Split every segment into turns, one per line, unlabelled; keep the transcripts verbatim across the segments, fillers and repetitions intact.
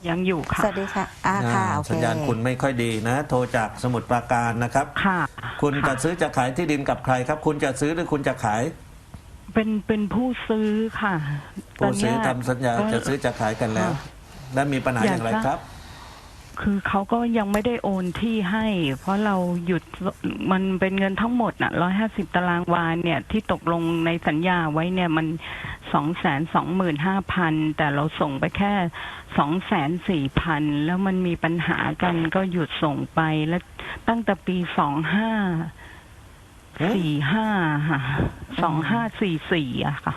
ยังอยู่ค่ะ
สวัสดีค่ะอ่าค่ะโอเค
สัญญาณคุณไม่ค่อยดีนะ โทรจากสมุทรปราการนะครับ
ค่ะ
คุณ
ค่ะ
จะซื้อจะขายที่ดินกับใครครับ คุณจะซื้อหรือคุณจะขาย
เป็นเป็นผู้ซื้อค่ะ
ผู้ซื้อ
ตนเนี้ย
ทำสัญญา
ก็
จะซื้อจะขายกันแล้ว
ค่ะ
และมีปัญหาอย่างไรครับ
คือเขาก็ยังไม่ได้โอนที่ให้ เพราะเราหยุดมันเป็นเงินทั้งหมดน่ะร้อยห้าสิบตารางวาเนี่ยที่ตกลงในสัญญาไว้เนี่ยมันสองแสนสองหมื่นห้าพันแต่เราส่งไปแค่สองแสนสี่พันแล้วมันมีปัญหากันก็หยุดส่งไปแล้วตั้งแต่ปีสองห้าสี่ห้าค่ะสองห้าสี่สี่อะค่ะ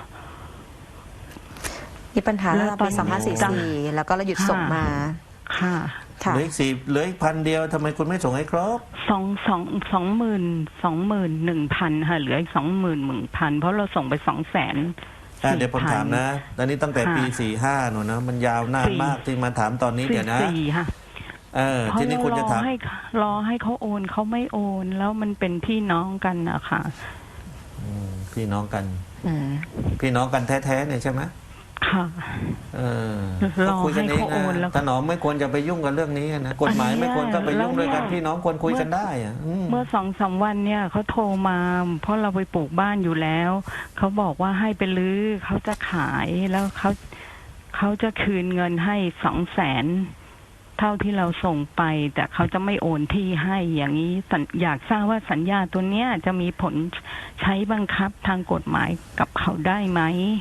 มีปัญหา
แล้
ตั้
ว
งแต่ปี
ตอน
สองพันสี่สิบสี่แล้วก็เราหยุดส่งมา
ค่ะ
ค่ะ
เหลืออีกสี่เหลืออีกพันเดียวทำไมคุณไม่ส่งให้ครบ
สองสองสองหมื่นสองหมื่นหนึ่งพันค่ะเหลืออีกสองหมื่นหนึ่งพันเพราะเราส่งไปสองแสน
อ่ะเดี๋ยวผมถามนะตอนนี้ตั้งแต่ปีสี่ห้าหนูนะ มันยาวนานมากที่มาถามตอนนี้
สี่
เดี๋ยวนะ
สี่ค่ะ
เออ
เพราะ
ทีนี้
เรา
คุณ
ร
จะ
อ
ถาม
ให้รอให้เขาโอนเขาไม่โอน แล้วมันเป็นพี่น้องกันนะคะ
อืมพี่น้องกัน
อืม
พี่น้องกันแท้ๆเนี่ยใช่ไหม
ค่ะ
เออ
ร
ก็
อ
คุยกัน
ให้
เอง
เขาโอนแล้ว
นะถนอมไม่ควรจะไปยุ่งกับเรื่องนี้นะกฎหมายไม่ควรก็ไปยุ่งด้วยกัน
แล้วเนี่ย
พี่น้องควรคุยกันได้อะอืม
เมื่อสองสามวันเนี่ยเขาโทรมา เพราะเราไปปลูกบ้านอยู่แล้วเขาบอกว่าให้ไปรื้อเขาจะขายแล้วเขาเขาจะคืนเงินให้สองแสนเท่าที่เราส่งไป แต่เขาจะไม่โอนที่ให้อย่างนี้สัญอยากทราบว่าสัญญาตัวเนี้ยจะมีผลใช้บังคับทางกฎหมายกับเขาได้ไหม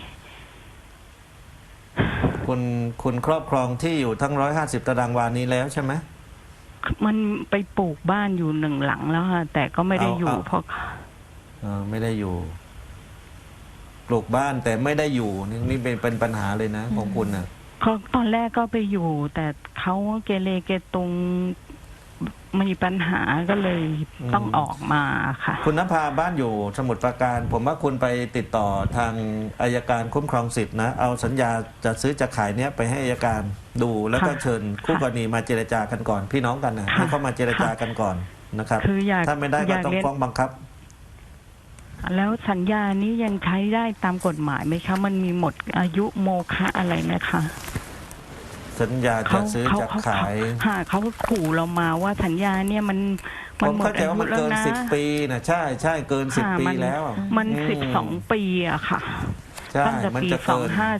คุณคุณครอบครองที่อยู่ทั้งร้อยห้าสิบตารางวานี้แล้วใช่ไหม
มันไปปลูกบ้านอยู่หนึ่งหลังแล้วค่ะแต่ก็ไม่ได้
เอา
อยู่
เอา
เพราะ
เออไม่ได้อยู่ ปลูกบ้านแต่ไม่ได้อยู่นี่นี่เป็นเป็นปัญหาเลยนะ ของคุณนะ
เขาตอนแรกก็ไปอยู่ แต่เขาเกเรเกตุงมีปัญหาก็เลยต้องออกมาค่ะ
คุณนภาบ้านอยู่สมุทรปราการ ผมว่าคุณไปติดต่อทางอายการคุ้มครองสิทธินะ เอาสัญญาจะซื้อจะขายเนี้ยไปให้อายการดูแล้วก็
ค่ะ
เชิญคู่กรณีมาเจรจากันก่อน พี่น้องกันนะ
ค่ะ
ให้เข้ามาเจรจากันก่อนนะครับ
คืออยาก
ถ้าไม่ได้
อ
ก็
ยาก
ต้อง
เรียน
ฟ้องบังคับ
แล้วสัญญานี้ยังใช้ได้ตามกฎหมายไหมคะ มันมีหมดอายุโมฆะอะไรไหมคะ
สัญญาจะซื้อจะขาย
หาเขาขู่เรามาว่าสัญญาเนี่ยมัน
ผม
หมด
เข้าใจ
อา
ว่า
ยุ
มัน
แล้ว
เกิน
นะ
สิบปีนะใช่ใช่เกินสิบ
ค่ะ
ปี
มัน
แล้วอะ
มันสิบสองปีอะค่ะ
ใช่
ตั้งแต่
มัน
ปี
จะ
สอ
เกิ
ง
น
ห้า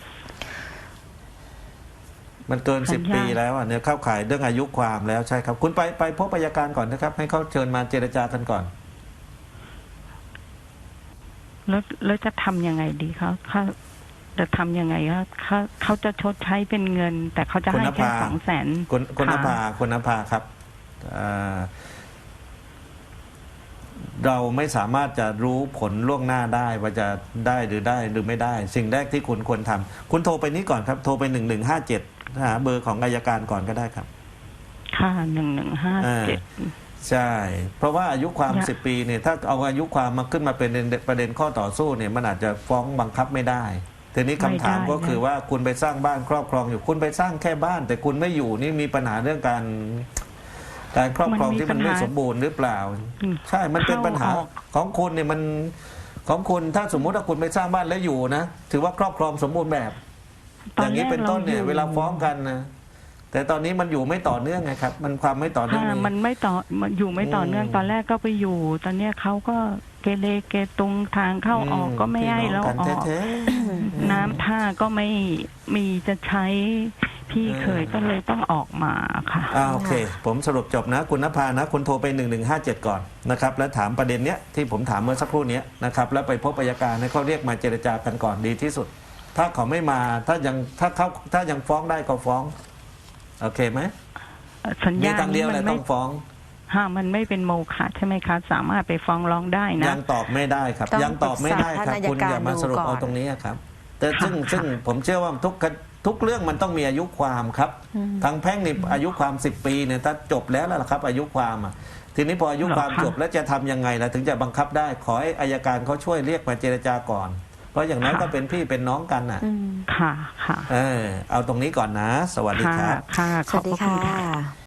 มันเกิน
สั
สิบ
ญญา
ปีแล้วอ่ะเนี่ยเข้าข่ายเรื่องอายุความแล้วใช่ครับ คุณไปไปพบอัยการก่อนนะครับ ให้เขาเชิญมาเจรจากันก่อน
แล้วแล้วจะทำยังไงดีเขาเขาจะทำยังไงเขาเขาเขาจะชดใช้เป็นเงิน แต่เขาจะ
คุณ
ให้
น
แค่
ภา
สองแสน
คุณคุณน
ค่ะ
ภาคุณนภาครับอ่าเราไม่สามารถจะรู้ผลล่วงหน้าได้ว่าจะได้หรือได้หรือไม่ได้ สิ่งแรกที่คุณควรทำคุณโทรไปนี้ก่อนครับ โทรไปหนึ่งหนึ่งห้าเจ็ดหาเบอร์ของอัยการก่อนก็ได้ครับ
ค่ะหนึ่งหนึ่งห้าเจ็ด
ใช่ เพราะว่าอายุความ
อยาก
สิบปีเนี่ยถ้าเอาอายุความมาขึ้นมาเป็นประเด็นข้อต่อสู้เนี่ยมันอาจจะฟ้องบังคับไม่ได้ทีนี้คำถามก็คือว่าคุณไปสร้างบ้านครอบครองอยู่คุณไปสร้างแค่บ้าน แต่คุณไม่อยู่นี่มีปัญหาเรื่องการ การครอบครองที่มันไม่สมบูรณ์หรือเปล่า ใช่มันเป็นปัญหาของคุณเนี่ยมันของคุณถ้าสมมุติว่าคุณไปสร้างบ้านแล้วอยู่นะถือว่าครอบครองสมบูรณ์แบบ อย่างนี้เป็นต้นเนี่ยเวลาฟ้องกันนะแต่ตอนนี้มันอยู่ไม่ต่อเนื่องไงครับ มันความไม่ต่อเนื่อง
ค่ะมันไม่ต่อมันอยู่ไม่ต่อเนื่อง
อืม
ตอนแรกก็ไปอยู่ ตอนเนี้ยเขาก็เกเรเกตุงทางเข้าออกก็ไม่ให้เรา
พี่น้ง
อ
กัน
อก
แท้ๆ
น้ำท่าก็ไม่มีจะใช้พี่เคยก็เลยต้องออกมาค่ะ
อ่าโอเค ผมสรุปจบนะ คุณนภานะ คุณโทรไปหนึ่งหนึ่งห้าเจ็ดก่อนนะครับ แล้วถามประเด็นเนี้ยที่ผมถามเมื่อสักครู่เนี้ยนะครับ แล้วไปพบอัยการให้เขาเรียกมาเจรจากันก่อนดีที่สุด ถ้าเขาไม่มาถ้ายังถ้าเขาถ้ายังฟ้องได้ก็ฟ้อง โอเคไหม
สัญ
มี
ญา
ทางเดียวแห
มั
ละ
ไม่
ต้องฟ้อง
ฮะมันไม่เป็นโมฆะใช่ไหมคะ สามารถไปฟ้องร้องได้นะ
ยังตอบไม่ได้ครับ
ต้อง
ยังตอบไม่ได้ครับ
ปรึกษาท่านอัยการ
คุณอย่ามาสรุป
ดูก่อน
เอาตรงนี้ครับ แต่ซึ่ง
ค่ะ
ซึ่งผมเชื่อว่าทุกทุกเรื่องมันต้องมีอายุความครับ
อืม
ทางแพ่งนี่อายุความสิบปีเนี่ยถ้าจบแล้วล่ะครับ อายุความอ่ะทีนี้พออายุความจบแล้วจะทำยังไงล่ะถึงจะบังคับได้ ขอให้อัยการเขาช่วยเรียกมาเจรจาก่อน เพราะอย่างนั้นก็เป็นพี่เป็นน้องกันอ่ะ
อืม
ค่ะค่ะ
เออเอาตรงนี้ก่อนนะ สวัสดีค
ค่ะ
รับ
ค่ะ
ส
ขอ
วั
บ
สดี
พระคุ
ค่
ณค่ะ
ะ